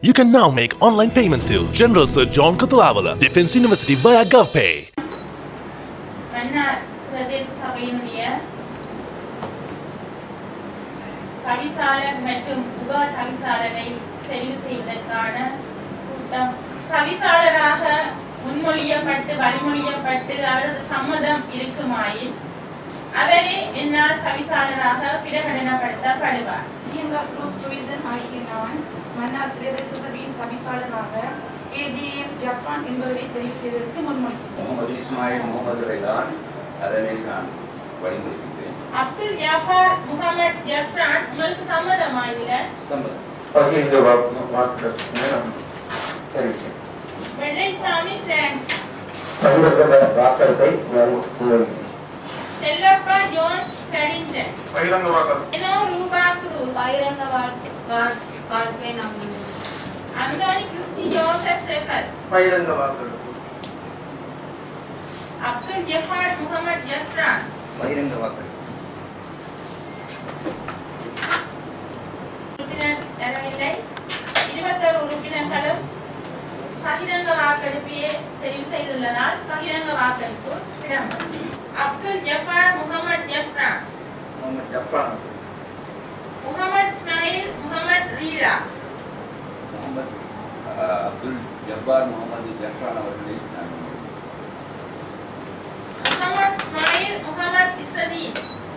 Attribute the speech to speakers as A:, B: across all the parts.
A: You can now make online payments to General Sir John Kotulavala, Defence University via GovPay.
B: Mannar பிரதேச சபையினுடைய தவிசாளர் மற்றும் உப தவிசாளரை தெரிவு செய்வதற்கான கூட்டம். தவிசாளராக முன்மொழியப்பட்டு வழிமொழியப்பட்டு அவரது சம்மதம் இருக்குமாயின் அவரே என்னால் தவிசாளராக பிரகடனப்படுத்தப்படுவார்.
C: மன்னார் பிரதேச சபையின் தவிசாளராக ஏஜிஎம் ஜஃப்ரான் என்பவரை தெரிவு செய்வதற்கு முன்மொழிகிறேன்.
D: முகமது இஸ்மாயில் முகமது ரைதான் அதனை நான் வழிமொழிகிறேன்.
B: அப்துல் ஜஃபார் முகமது ஜஃப்ரான் உங்களுக்கு சம்மதமாயில?
D: சம்மதம்.
B: Vellaisamy Frank. Chellappa John Ferrington.
E: பகிரங்க வாக்கர்.
B: எனோ ரூபா குரூஸ்.
F: பகிரங்க வாழ்க்கை நம்பினேன்.
B: அந்தோனி கிறிஸ்டி ஜோசப் ரெஃபர்.
E: பகிரங்க வாக்கர்.
B: அப்துல் ஜஃபார் முகமது ஜஃப்ரான்.
D: பகிரங்க வாக்கர்.
B: உறுப்பினர் தரவில்லை. 21 உறுப்பினர்களும் பகிரங்க வாக்கெடுப்பையே தெரிவு செய்துள்ளதால் பகிரங்க வாக்கெடுப்பு இடம்பெறும். அப்துல் ஜஃபார் முகமது ஜஃப்ரான்.
D: முகமது ஜஃப்ரான்.
B: முகமது இஸ்மாயில் முகமது ரீலா.
D: முகமது அப்துல் ஜப்பார் முகமது ஜஃப்ரான் அவர்களை நான்
B: முகமது இஸ்மாயில் முகமது இசதீன்.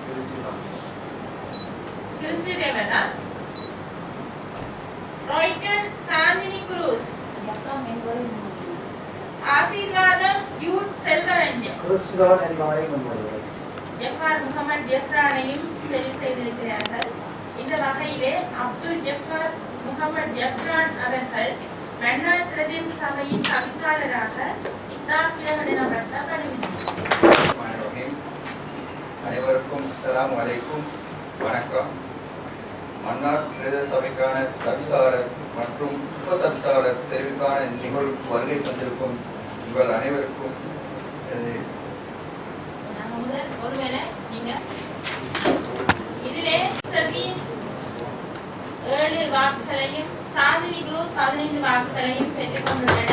B: கிறிஸ்டி ரெவலா. Royden Chandini Cruz.
F: ஜஃப்ரான் என்பவரை
B: ஆசீர்வாதம் யூத் செல்வரஞ்சன்.
E: கிறிஸ்துவான் என்பவரை முன்மொழிகிறேன்.
B: ஜஃபார் முகமது ஜஃப்ரானையும் தெரிவு செய்திருக்கிறார்கள். இந்த வகையிலே அப்துல் ஜஃபார் முகமது ஜஃப்ரான் அவர்கள் மன்னார் பிரதேச சபையின் தவிசாளராக பிரகடனப்படுத்தப்படுகிறார்.
D: அனைவருக்கும் அஸ்ஸலாமு அலைக்கும், வணக்கம். மன்னார் பிரதேச சபைக்கான தவிசாளர் மற்றும் உப தவிசாளர் தெரிவுக்கான நிகழ்வுக்கு வருகை தந்திருக்கும் உங்கள் அனைவருக்கும்
B: ஒருவேளை நீங்க இதிலே சபீன் 7 வாக்குகளையும் சாந்தினி குரூஸ் 15 வாக்குகளையும் பெற்றுக் கொண்டுள்ளனர்.